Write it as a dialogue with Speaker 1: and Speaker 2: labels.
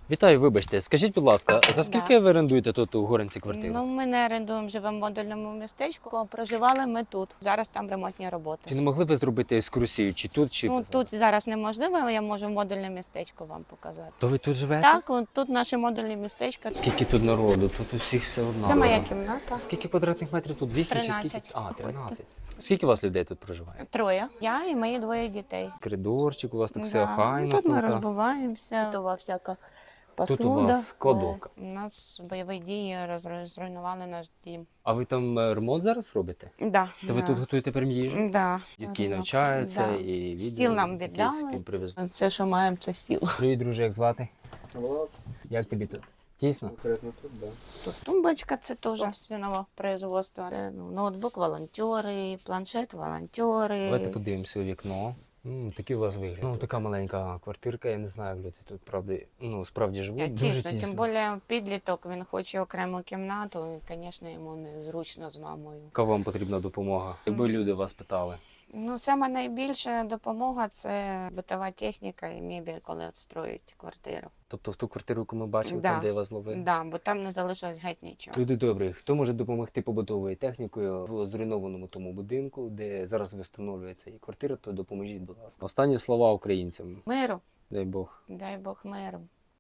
Speaker 1: Вітаю, вибачте. Скажіть, будь ласка, за
Speaker 2: Да.
Speaker 1: скільки ви орендуєте тут у Горинці квартиру?
Speaker 2: Ну, ми не орендуємо, живемо в модульному містечку, а проживали ми тут. Зараз там ремонтні
Speaker 1: Чи
Speaker 2: роботи.
Speaker 1: не могли ви зробити екскурсію, чи тут, чи
Speaker 2: Ну,
Speaker 1: зараз?
Speaker 2: тут зараз неможливо, я можу модульне містечко вам показати.
Speaker 1: То ви тут живете?
Speaker 2: Так, от тут наше модульне містечко.
Speaker 1: Скільки тут народу? Тут у всіх все одно.
Speaker 2: Це моя кімната.
Speaker 1: Скільки квадратних метрів тут? 8 чи
Speaker 2: 13.
Speaker 1: скільки? А, 13. Скільки у вас людей тут проживає?
Speaker 2: Троє. Я і мої двоє дітей.
Speaker 1: Коридорчик, у вас тут все
Speaker 2: Да.
Speaker 1: охайно.
Speaker 2: Тут ми
Speaker 1: тут, а?
Speaker 2: розбиваємося, готова всяка посуда.
Speaker 1: у вас кладовка.
Speaker 2: У нас бойові дії зруйнували наш дім.
Speaker 1: А ви там ремонт зараз робите?
Speaker 2: Да.
Speaker 1: То ви тут готуєте прям їжу?
Speaker 2: Да.
Speaker 1: Дітки навчаються
Speaker 2: Да.
Speaker 1: і відео.
Speaker 2: Стіл нам
Speaker 1: якісь
Speaker 2: віддали.
Speaker 1: привезли.
Speaker 2: Все, що маємо, це стіл.
Speaker 1: Привіт, друже, як звати?
Speaker 3: Влад,
Speaker 1: Як тобі тут? Тісно?
Speaker 3: конкретно тут, да.
Speaker 2: Тут тумбочка, це теж свиного производства. Ноутбук волонтери, планшет волонтери.
Speaker 1: Давайте подивимося у вікно. Такий у вас вигляд. Ну, така маленька квартирка, я не знаю, як люди тут правди, справді живуть. Дуже
Speaker 2: Тісно, тим більше підліток, він хоче окрему кімнату, і, звісно, йому незручно з мамою.
Speaker 1: Яка вам потрібна допомога? Якби люди вас питали.
Speaker 2: Ну, саме найбільша допомога це битова техніка і мебель, коли строять квартиру.
Speaker 1: Тобто в ту квартиру, яку ми бачили,
Speaker 2: Да.
Speaker 1: там, де я вас ловив?
Speaker 2: Да, бо там не залишилось геть нічого.
Speaker 1: Люди добрі, хто може допомогти побутовою технікою в зруйнованому тому будинку, де зараз встановлюється і квартира, то допоможіть, будь ласка. Останні слова українцям.
Speaker 2: Миру,
Speaker 1: Дай Бог.
Speaker 2: дай Бог миру.